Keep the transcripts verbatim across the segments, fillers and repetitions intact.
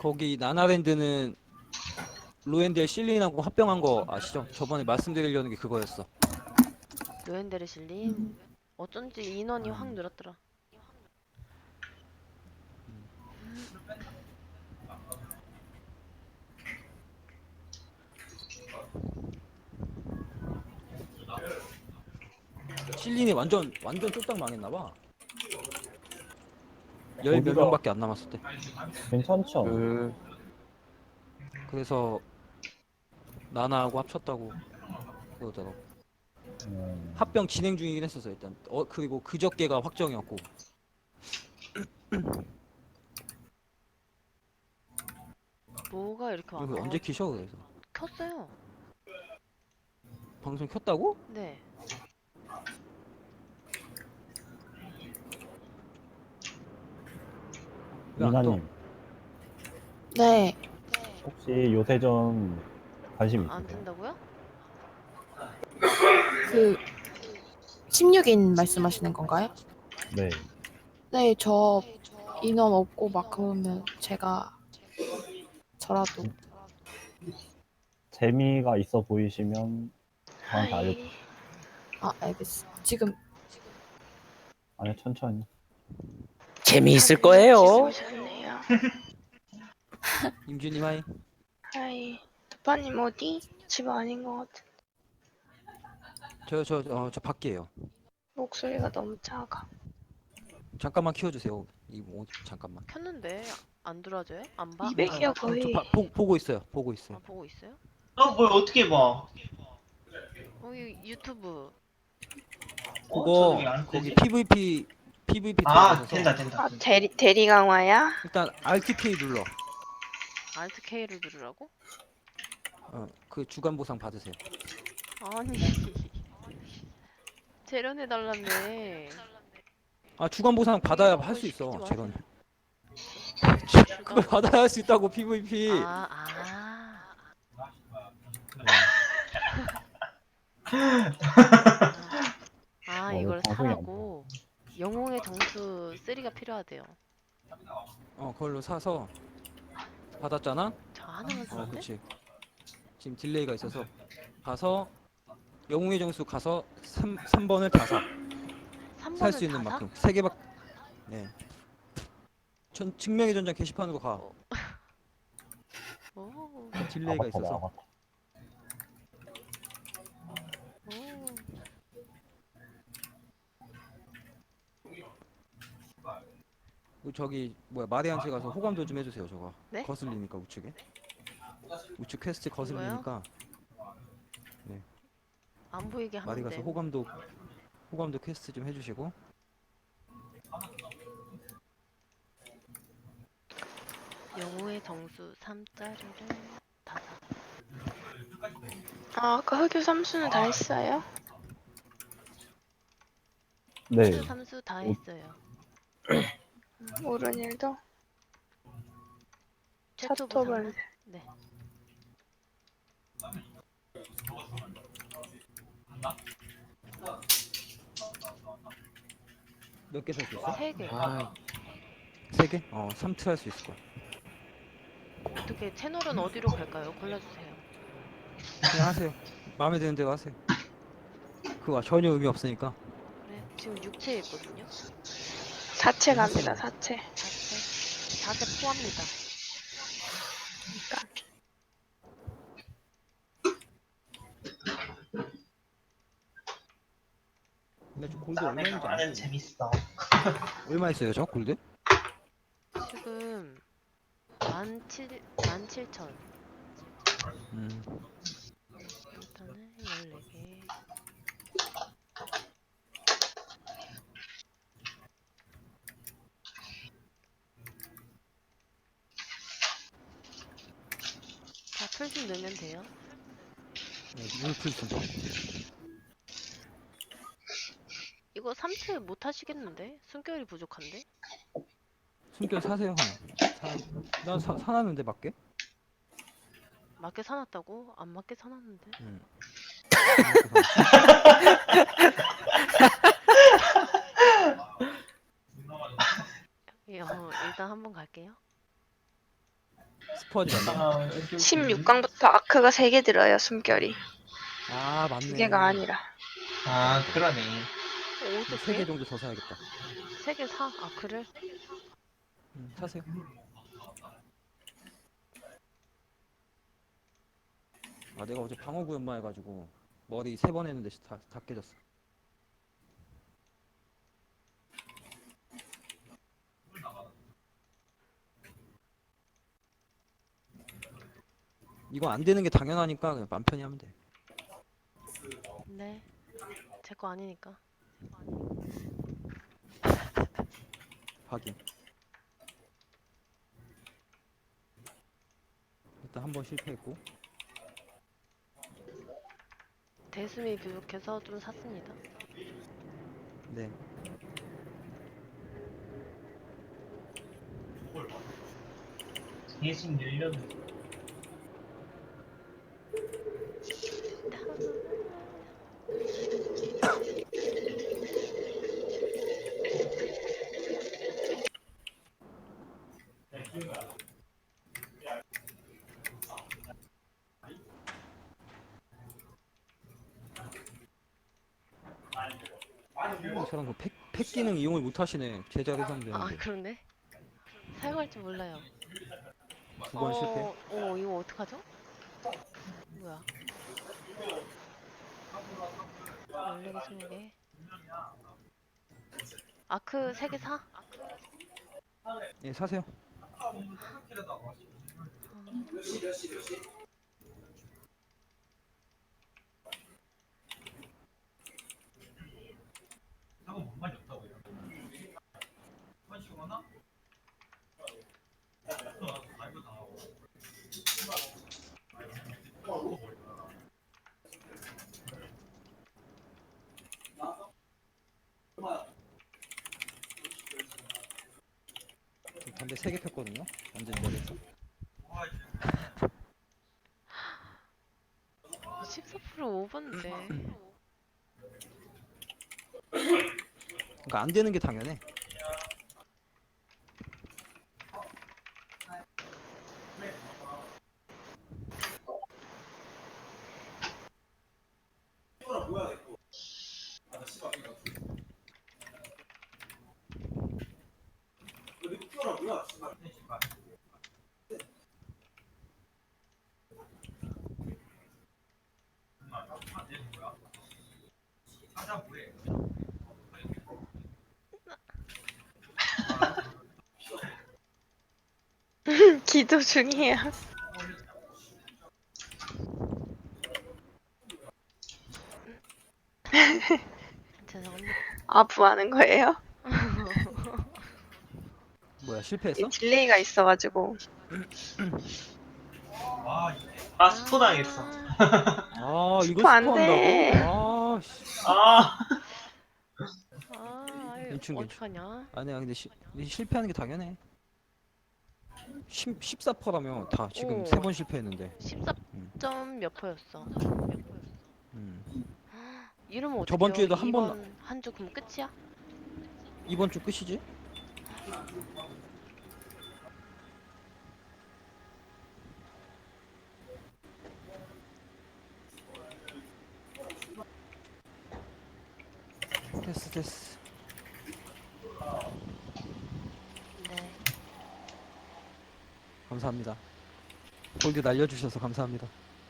거기 나나랜드는 로엔델 실린하고 합병한 거 아시죠? 저번에 말씀드리려는 게 그거였어. 로엔데르실님 어쩐지 인원이 확 음. 늘었더라. 실린이 완전 완전 쫄딱 망했나봐. 열 몇 거기가 명밖에 안 남았을 때. 괜찮죠? 그 그래서 나나하고 합쳤다고 그러더라고. 음, 합병 진행 중이긴 했었어 일단. 어 그리고 그저께가 확정이었고. 뭐가 이렇게 와? 이거 아, 언제 키셔 그래서? 켰어요. 방송 켰다고? 네. 왜 안 떠? 미나님 네, 혹시 요새 좀 관심 안 있으세요? 뜬다고요? 그 십육 인 말씀하시는 건가요? 네. 네, 저 인원 없고 막 그러면 제가 저라도 재미가 있어 보이시면 저한테 하이. 알려주세요. 아 알겠어. 지금 아니 천천히. 재미있을 다들 거예요. 일찍 오셨네요. 임준님 하이. 하이. 도파님 어디? 집 아닌 것 같은. 저 저 어 저 밖이에요. 목소리가 너무 작아. 잠깐만 키워주세요. 이 뭐, 잠깐만. 켰는데 안 들어져요? 안 봐? 이백이야 어, 거의. 저 봐- 보, 보고 있어요. 보고 아, 있어요. 보고 있어요? 어, 뭘 어떻게 봐? 여기 유튜브. 어? 그거 저는 왜안 거기 뜨지? 피브이피 피브이피 아, 들어가셔서 된다, 된다. 아 대리 대리 강화야? 일단 알트케이 눌러. 알트 K를 누르라고? 어, 그 주간 보상 받으세요. 아니. 재련해 달라며. 아 주간 보상 받아야 할 수 시키지 있어. 마세요. 재건. 그걸 받아야 할 수 있다고 피브이피. 아, 아. 아, 어, 이걸 방송이 안 사라고. 영웅의 정수 삼가 필요하대요. 어 그걸로 사서 받았잖아. 저 하나만 어 쓰는데? 그렇지. 지금 딜레이가 있어서 가서 영웅의 정수 가서 삼, 삼 번을 다 사. 삼 번을 살 수 있는 다 사? 만큼 세 개밖. 네. 전 증명의 전장 게시판으로 가. 어. 오, 딜레이가 아바타다 있어서. 아바타. 오. 그 저기 뭐야 마리안체 가서 호감도 좀 해주세요 저거. 네? 거슬리니까 우측에. 우측 퀘스트 거슬리니까 안 보이게 마리 하면 가서 돼. 호감도 호감도 퀘스트 좀 해주시고. 영웅의 정수 삼자리를 다 사. 아 아까 흑유 삼수는 다 했어요? 네. 수 삼수 다 했어요. 오른 일도 최초 차토벌. 보상만? 네. 몇 개 살 수 있어? 세 개. 아, 세 개? 어, 삼 트 할 수 있을 거야. 어떻게 채널은 어디로 갈까요? 골라주세요. 그냥 하세요. 마음에 드는 대로 하세요. 그거 전혀 의미 없으니까. 그래. 지금 육체 있거든요. 사채 갑니다 사채. 자체. 자체 포함니다. 근데 저 골드 얼마 있는지 나는 안 재밌어. 얼마 있어요 저 골드? 지금 만 칠, 만 칠천. 음. 일단은 열네 개. 자, 풀좀 넣으면 돼요. 네, 물풀순. 이거 삼 트 못 하시겠는데? 숨결이 부족한데? 숨결 사세요 하나. 사, 난 사, 사놨는데 맞게? 맞게 사놨다고? 안 맞게 사놨는데? 음. 예, 어, 일단 한번 갈게요. 스포하지 말고. 아, 오케이, 오케이. 십육 강부터 아크가 세 개 들어요, 숨결이. 아 맞네. 두 개가 아니라. 아, 그러네. 어떻게? 세 개 정도 더 사야겠다. 세 개 사? 아 그래? 음, 사세요. 아 내가 어제 방어구 연마해가지고 머리 세 번 했는데 다, 다 깨졌어. 이거 안 되는 게 당연하니까 그냥 맘 편히 하면 돼. 네. 제 거 아니니까. 확인. 일단 한 번 실패했고. 대수미 부족해서 좀 샀습니다. 네. 예심 열렸네. 어, 저랑 그 팩, 팩 기능 이용을 못 하시네. 제자리 하면 아 되는데. 그러네. 사용할 줄 몰라요. 두 번 실패. 어, 어 이거 어떡하죠? 뭐야? 열네 개, 스무 개. 아크 세 개 사? 예, 사세요. 담배 세 개 폈거든요. 완전 열했어. 십사 퍼센트 오버인데. 그러니까 안 되는 게 당연해. 기도 중이에요. 죄송합니다. 아부하는 거예요? 뭐야, 실패했어? 딜레이가 있어가지고. 아, 스포 당했어. 아, 이거 스포 안 스포한다고? 돼. 아, 씨. 아, 아, 아유, 괜찮, 괜찮. 어떡하냐? 아니야, 근데, 시, 근데 실패하는 게 당연해. 십, 십사 퍼센트라며 다 지금 오. 세 번 실패했는데. 십사 점 몇 퍼였어? 음. 이러면 어떡해요? 저번 주에도 한 번- 한 주 그럼 끝이야? 이번 주 끝이지? 됐어, 됐어. 네. 감사합니다. 골드 날려주셔서 감사합니다.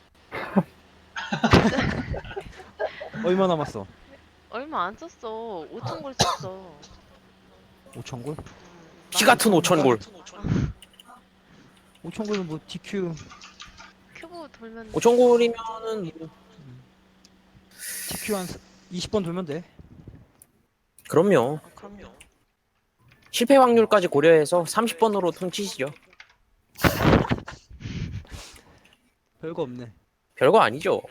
얼마 남았어? 얼마 안 썼어. 오천 골 썼어. 오천 골? 음, 피 같은 오천 골. 오천 골은 뭐 디큐, 큐브 돌면 오천 골이면은 뭐, 디큐 한 이십 번 돌면 돼. 그럼요. 아, 그럼요. 실패 확률까지 고려해서 삼십 번으로 퉁치시죠. 별거 없네. 별거 아니죠.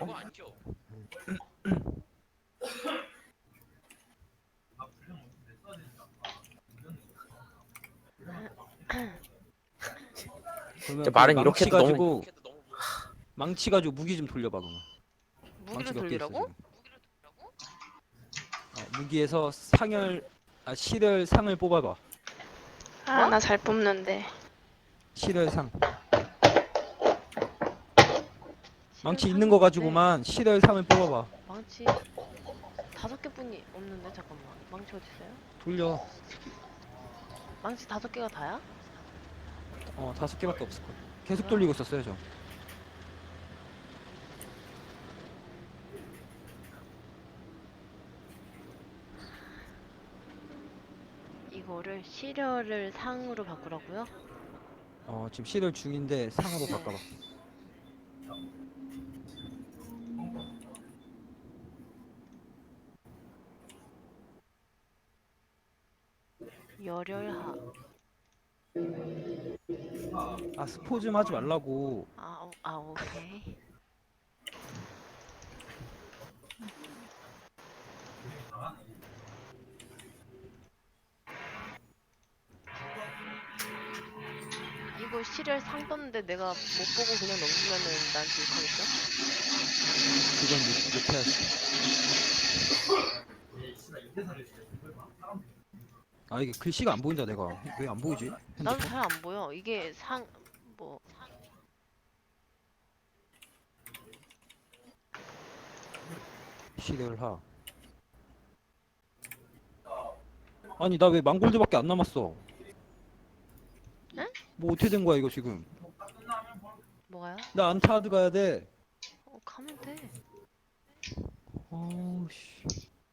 그러면 진짜 말은 그 이렇게 망치 해도 가지고 망치 가지고 무기 좀 돌려봐 그러면. 무기를 망치가 꽤 있어, 돌리라고? 지금. 어, 무기에서 상열, 아 실열 상을 뽑아봐. 아, 나 잘 뽑는데. 실열 상. 망치 삼이 있는 거 뭔데? 가지고만 실열 삼을 뽑아봐. 망치 다섯 개뿐이 없는데 잠깐만. 망치 어디 있어요? 돌려. 망치 다섯 개가 다야? 어 다섯 개밖에 없을 거야. 계속 뭐야? 돌리고 있었어요 저. 이거를 시려를 상으로 바꾸라고요? 어 지금 실열 중인데 상으로 바꿔봐. 열혈하. 아 스포 좀 하지 말라고. 아, 오- 아 오케이. 이거 시를 상 떴는데 내가 못 보고 그냥 넘기면은 나한테 욕하겠죠? 그건 못, 못해야지. 아 이게 글씨가 안 보인다 내가. 왜 안 보이지? 나도 핸드폰? 잘 안 보여. 이게 상, 뭐, 실열하. 아니 나 왜 망골드밖에 안 남았어? 응? 뭐 어떻게 된 거야 이거 지금? 뭐가요? 나 안타드 가야 돼. 어, 가면 돼. 어우씨.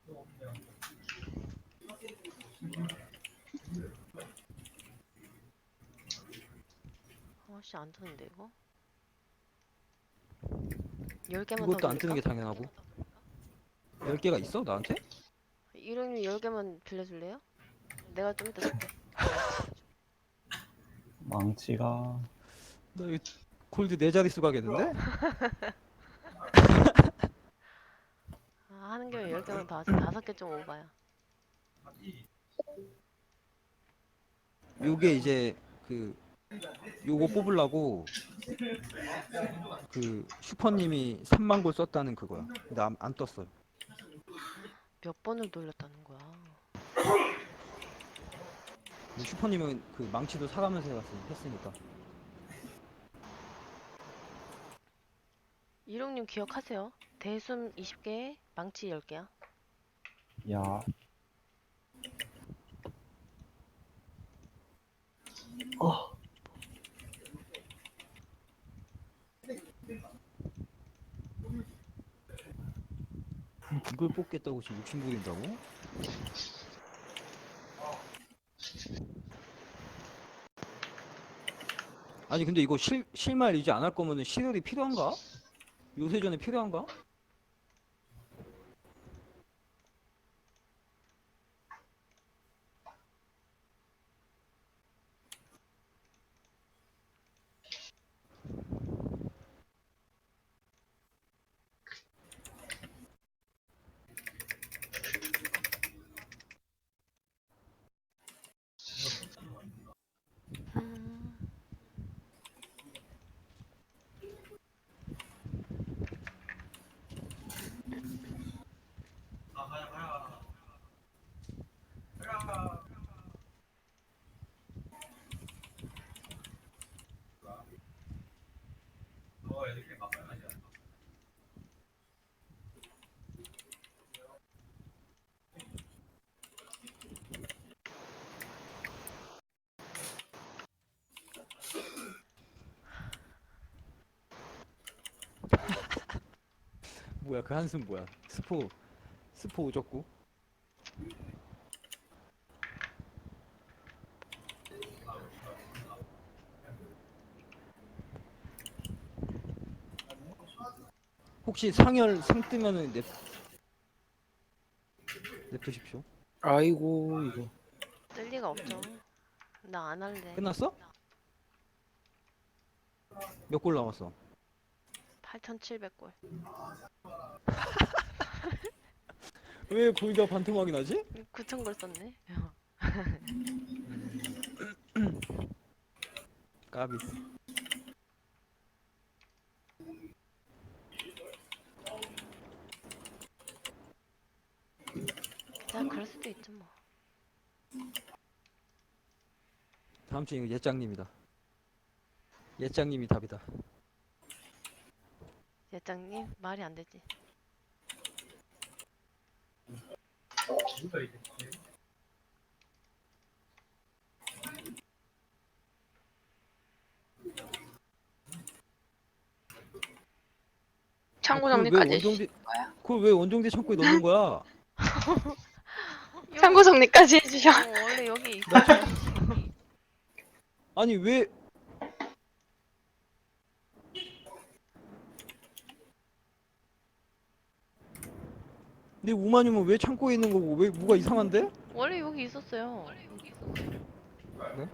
아씨, 안 뜨는데, 이거? 열 개만 더 그것도 안 뜨는 게 돌릴까? 당연하고. 열 개가 있어 나한테? 이름이 열 개만 빌려줄래요? 내가 좀 이따 줄게. 망치가 나 이거 골드 네 자릿수 가겠는데? 아, 하는 김에 열 개만 더 하자. 다섯 개 좀 오바야. 요게 이제 그 요거 뽑으려고 그 슈퍼님이 삼만 골 썼다는 그거야. 근데 안, 안 떴어. 몇 번을 돌렸다는 거야. 슈퍼님은 그 망치도 사가면서 해갔으- 했으니까. 이룡님 기억하세요? 대숨 이십 개에 망치 열 개야. 야. 어. 이걸 뽑겠다고 지금 욕심 부린다고? 아니 근데 이거 실, 실말 이제 안 할 거면은 실혈이 필요한가? 요새 전에 필요한가? 음, 뭐야 그 한숨 뭐야? 스포 스포 오졌고. 혹시 상열 상 뜨면은 냅 냅두십시오. 아이고 이거 뜰 리가 없죠. 나 안 할래. 끝났어? 몇 골 남았어? 팔천칠백 골. 왜 골드가 반토막이 나지? 구천 골 썼네. 까비. 자, 그럴 수도 있죠 뭐. 다음 주에 이거 예짱님이다. 예짱님이 답이다. 예장님 말이 안 되지. 창고 그걸 왜 정리까지 원정대 거야? 그걸 왜 원정대 창고에 넣는 거야? 창고 정리까지 해주셔. 어, 원래 여기 있어요. 아니 왜 내 우마님은 왜 창고에 있는 거고 왜 뭐가 이상한데? 원래 여기 있었어요. 그래?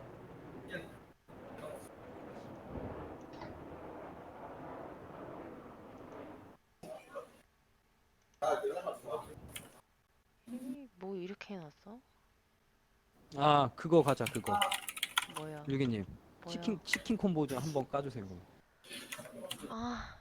이, 뭐 이렇게 해놨어? 아 그거 가자 그거. 뭐야? 유기님 뭐야? 치킨 치킨 콤보 좀 한번 까주세요. 그럼. 아,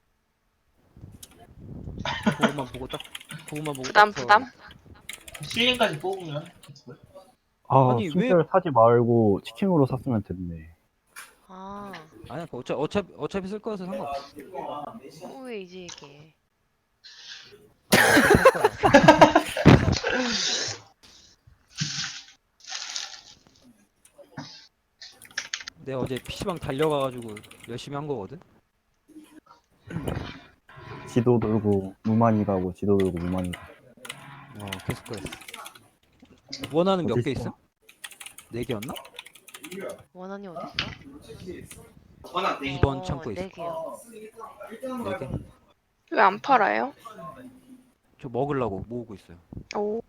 그거만 보고 딱 그거만 보고 부담 딱 부담. 실링까지 뽑으면 아, 아니, 왜- 순대를 사지 말고 치킨으로 샀으면 됐네. 아, 아니야 그 어차 어차피 어차피 쓸 거여서 상관없어. 어, 왜 이제 얘기해? 아니, 어차피 살 거야. 내가 어제 피시방 달려가가지고 열심히 한 거거든. 지도 들고 무만히 가고 지도 들고 무만히 가고. 어 계속 그랬어. 원하는 몇 개 어디 있어? 있어? 네 개였나? 원한이 어디 있어? 이 번 어, 창고에 있어. 네 개요. 네 개. 왜 안 팔아요? 저 먹으려고 모으고 있어요. 오.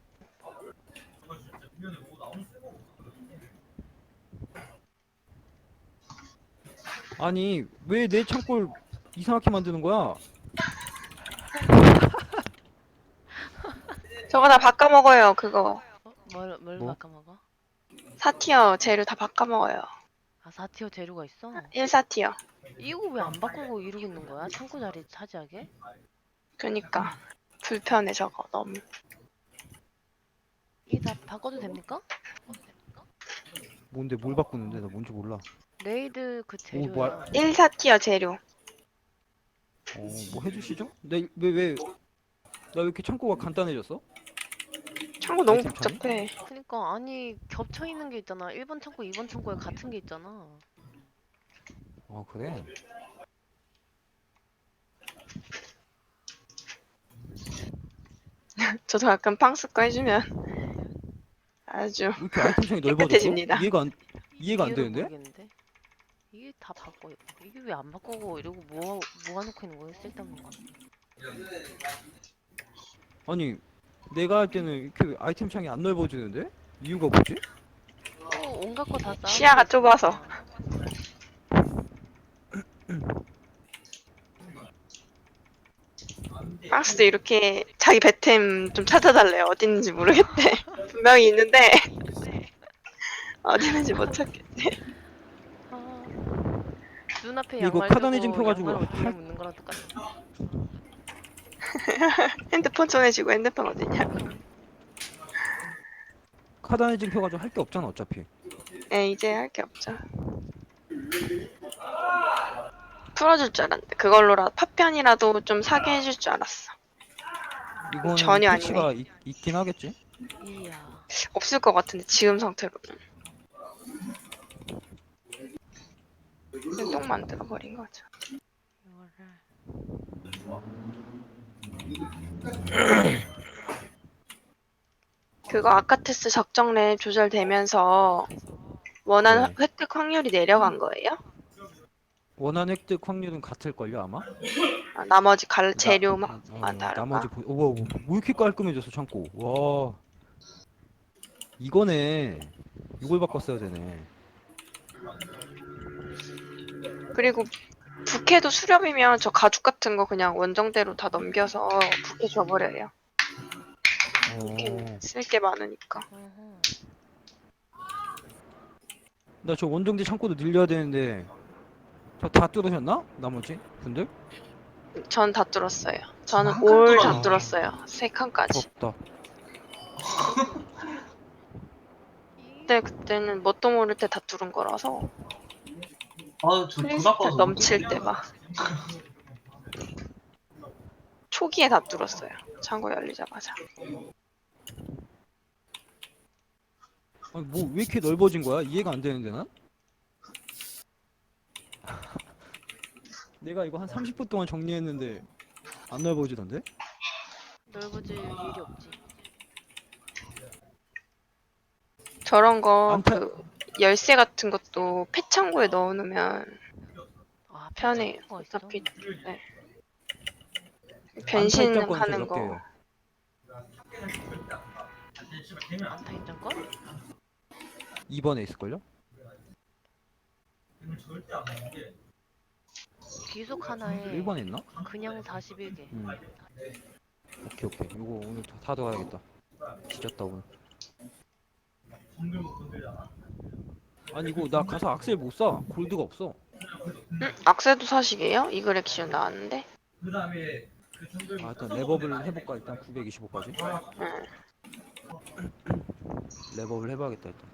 아니 왜 내 창고를 이상하게 만드는 거야? 저거 다 바꿔 먹어요. 그거 어? 뭘, 뭘 뭐? 바꿔 먹어? 사 티어 재료 다 바꿔 먹어요. 아, 사 티어 재료가 있어? 일, 사 티어. 이거 왜 안 바꾸고 이러고 있는 거야? 창고 자리 차지하게? 그니까 불편해 저거 너무. 이게 다 바꿔도 됩니까? 뭔데 뭘 바꾸는데 나 뭔지 몰라. 레이드 그 오, 뭐 재료야. 일, 사 티어 재료. 어뭐 해주시죠? 내왜왜 나 왜 이렇게 창고가 간단해졌어? 창고 너무 아이템 창이? 복잡해. 그니까 아니 겹쳐 있는 게 있잖아. 일 번 창고, 이 번 창고에 같은 게 있잖아. 아 그래? 저도 약간 팡스거 해주면 아주 왜 이렇게 아이템 창이 넓어졌어? 깨끗해집니다. 이해가 안 이해가 안 이유를 되는데? 모르겠는데? 이게 다 바꿔. 이게 왜 안 바꾸고 이러고 모아 모아놓고 있는 거야? 쓸데없는 거. 아니 내가 할 때는 이렇게 아이템 창이 안 넓어지는데? 이유가 뭐지? 어, 온갖 거 다 쌓아. 시야가 좁아서. 팡스도 이렇게 자기 배템 좀 찾아달래요. 어디 있는지 모르겠대. 분명히 있는데 어디 있는지 못 찾겠대. 아, 눈앞에 이거 양말 카다니즘 두고 펴가지고 양말 할- 어디에 묻는 거랑 똑같아. 핸드폰 전해주고 핸드폰 어디냐. 카다니즘 펴가지고 할 게 없잖아 어차피. 예, 이제 할 게 없죠. 풀어줄 줄 알았는데 그걸로라 파편이라도 좀 사게 해줄 줄 알았어. 이거는 전혀 패치가 있, 있긴 하겠지? 이야. 없을 것 같은데 지금 상태로는. 똥 만들어 버린 거죠. 이거를 그거 아카테스 적정랩 조절되면서 원하는 네. 획득 확률이 내려간 거예요? 원한 획득 확률은 같을걸요 아마? 아, 나머지 갈 나- 재료만 어, 다른가? 나머지 보... 오, 와, 뭐 이렇게 깔끔해졌어 창고. 와 이거네. 이걸 바꿨어야 되네. 그리고 부캐도 수렵이면 저 가죽 같은 거 그냥 원정대로 다 넘겨서 부캐 줘버려요. 어... 쓸 게 많으니까. 어허. 나 저 원정지 창고도 늘려야 되는데 저 다 뚫으셨나? 나머지 분들? 전 다 뚫었어요. 저는 한 칸 올 다 뚫었네. 뚫었어요. 세 칸까지. 부럽다. 그때 그때는 뭣도 모를 때 다 뚫은 거라서 아저 크리스탈 그나빠서 넘칠 때 막. 초기에 다 뚫었어요. 창고 열리자마자. 아니 뭐 왜 이렇게 넓어진 거야? 이해가 안 되는데 난? 내가 이거 한 삼십 분 동안 정리했는데 안 넓어지던데? 넓어질 일이 없지. 저런 거 안 타- 그 열쇠 같은 것도 폐창고에 넣어놓으면 아, 편해요. 거 있어? 어차피 네. 안타 변신하는 입장권은 몇 거. 개예요? 안타 입장권? 이 번에 있을걸요? 귀속 하나에 일 번에 있나? 그냥 사십일 개. 음. 오케이 오케이 이거 오늘 다, 다 들어가야겠다. 지렸다 오늘. 아니 이거 나 가서 악셀 못 사. 골드가 없어. 음, 악세도 사시게요? 이글 액션 나왔는데. 아 일단 랩업을 해볼까 일단 구백이십오까지. 응. 랩업을 해봐야겠다 일단.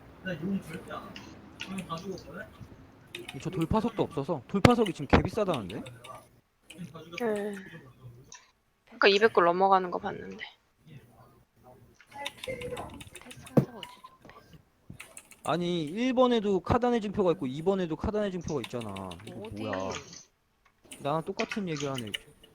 저 돌파석도 없어서 돌파석이 지금 개 비싸다는데? 음. 그러니까 이백 골 넘어가는 거 봤는데. 패스 상자가 어디죠? 패스. 아니 일 번에도 카단의 증표가 있고 이 번에도 카단의 증표가 있잖아. 이거 어디? 뭐야? 나랑 똑같은 얘기를 하네.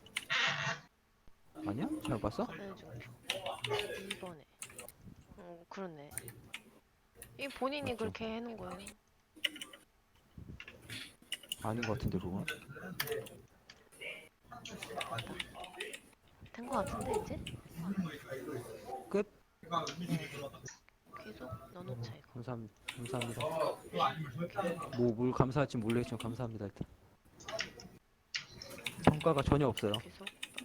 아니야? 잘못 봤어? 카드 증표. 이 번에. 어, 그렇네. 이 본인이 맞죠. 그렇게 해놓은 거예요. 아닌 것 같은데 그거. 된 거 같은데 이제? 끝. 계속 넣어놓자 이거. 감사합니다. 감사합니다. 뭐 뭘 감사할지 모르겠지만 감사합니다 일단. 성과가 전혀 없어요. 계속.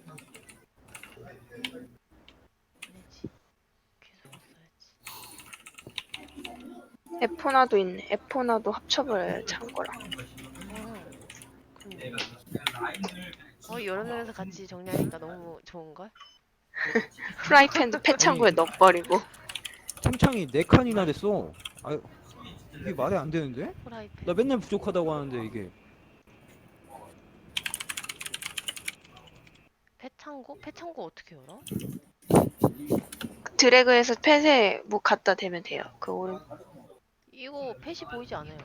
아니지. 계속 써야지. 에포나도 있네. 에포나도 합쳐버려요, 창고랑. 어. 근데. 어 여러 명에서 같이 정리하니까 너무 좋은걸? 프라이팬도 폐창고에 넣어버리고. 템창이 네 칸이나 됐어. 아 이게 말이 안 되는데? 프라이팬. 나 맨날 부족하다고 하는데 이게. 폐창고? 폐창고 어떻게 열어? 드래그해서 펫에 뭐 갖다 대면 돼요. 그 오른. 이거 펫이 보이지 않아요.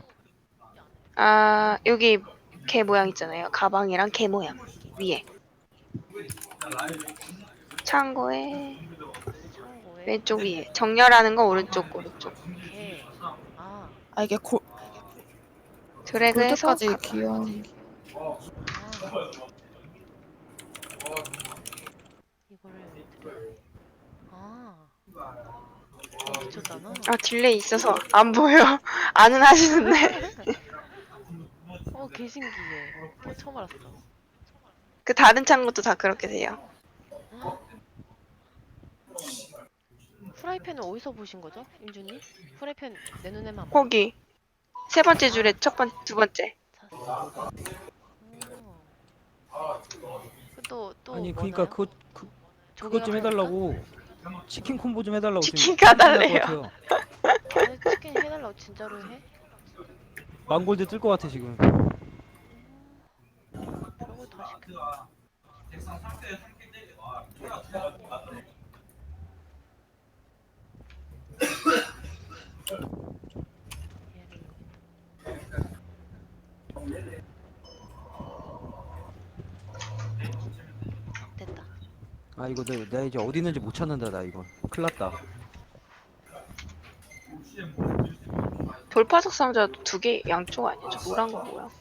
아 여기 개 모양 있잖아요. 가방이랑 개 모양 위에. 창고에 창고에 왼쪽 위에. 정렬하는 거 오른쪽 오른쪽. 개. 아, 아 이게 골, 드래그해서 골드까지 갖다. 귀여운. 아. 이거를 드려. 아. 어, 미쳤잖아. 아 딜레이 있어서 안 보여. 안은 하시는데. 어, 개 신기해. 어, 처음 알았어. 그 다른 창고도 다 그렇게 돼요. 프라이팬은 어디서 보신 거죠, 임준님? 프라이팬 내 눈에만 안 거기 세 번째 줄에 첫 번, 두 번째. 찼어. 또, 또 아니 뭐나요? 그러니까 그거 그, 그것 좀 해달라고. 치킨 콤보 좀 해달라고. 지금 치킨 가달래요. 큰일 날것 같아요. 아니, 치킨 해달라고 진짜로 해? 망골드 뜰 것 같아 지금. 그런 걸 다 시켜. 얘를 됐다. 아 이거 내, 내가 이제 어디 있는지 못 찾는다 나 이거. 큰일 났다. 돌파석 상자도 두 개 양쪽 아니야? 저 노란 거 뭐야?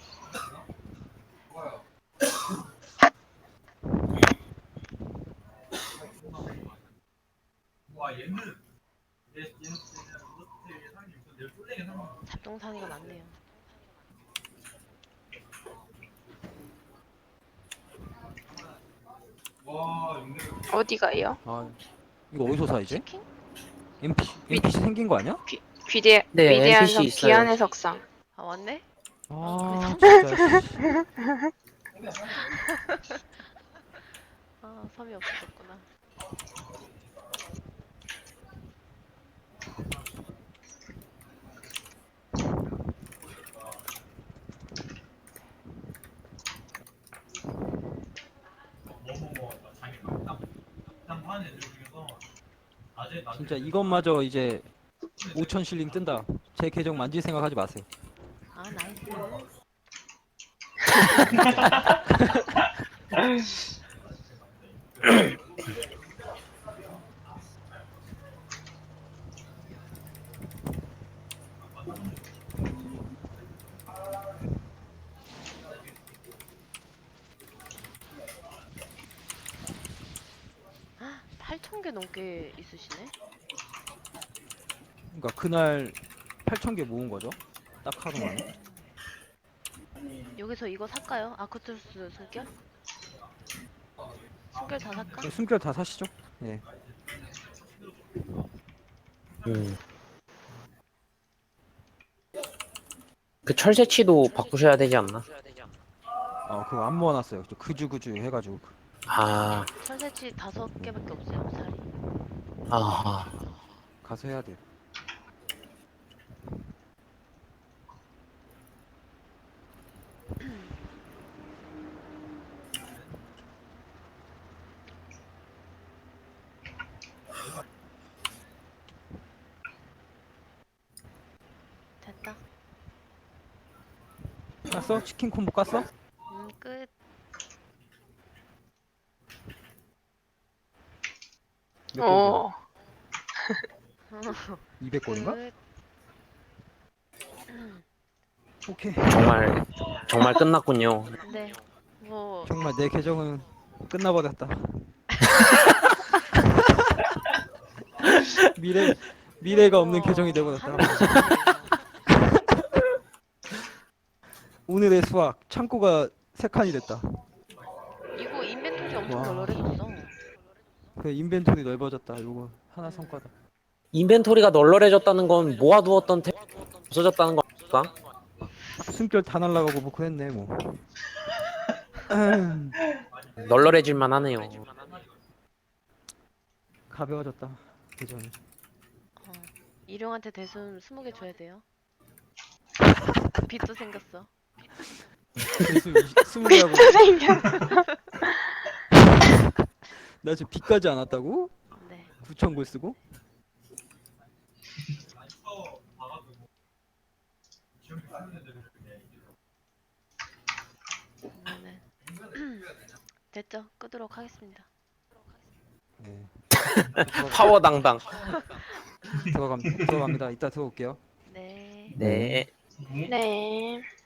잡동사니가 많네요. 어디가요? 아 이거 어디서 사 이제? 치킨? 엠피, 엠피씨 생긴 거 아니야? 귀대 네, 위대한 엔피씨 성 있어요. 귀한의 석상. 아, 왔네? 아 진짜. 씨. 아, 섬이 없어졌구나. 진짜 이것마저 이제 오천 실링 뜬다. 제 계정 만질 생각하지 마세요. 아 나이스. 팔천 개 넘게 있으시네. 그러니까 그날 팔천 개 모은 거죠. 딱 하루 만에. 여기서 이거 살까요? 아크투스 숨결? 숨결 다 살까? 네, 숨결 다 사시죠. 예. 음. 그 철새치도 바꾸셔야 되지 않나? 어 그거 안 모아놨어요. 저 그주그주 해가지고. 아, 철새치 다섯 개밖에 없어요. 살이. 아하. 가서 해야 돼. 됐다. 깠어? 치킨 콤보 깠어? 음 끝. 몇 어. 골이야? 이백 골인가? 끝. 오케이. 정말, 정말 끝났군요. 네. 뭐 정말 내 계정은 끝나버렸다. 미래 미래가 없는 어, 계정이 되버렸다. 하는 거 아니에요. 오늘의 수학 창고가 세 칸이 됐다. 이거 인벤토리 엄청 와. 널널해졌어. 그 인벤토리 넓어졌다. 요거 하나 성과다. 인벤토리가 널널해졌다는 건 모아두었던 템 없어졌다는 건가? 숨결 다 날라가고 뭐 그랬네 뭐. 널널해질만 하네요. 가벼워졌다 계정이. 어. 일용한테 대순 스무 개 줘야 돼요. 빚도 생겼어. 대수 스무 개하고 생겼어. 나 지금 빚까지 안 왔다고? 네. 구천 골 쓰고? 그러면은 됐죠? 끄도록 하겠습니다. 네. 파워 당당. 들어갑 들어갑니다. 이따 들어올게요. 네. 네. 네.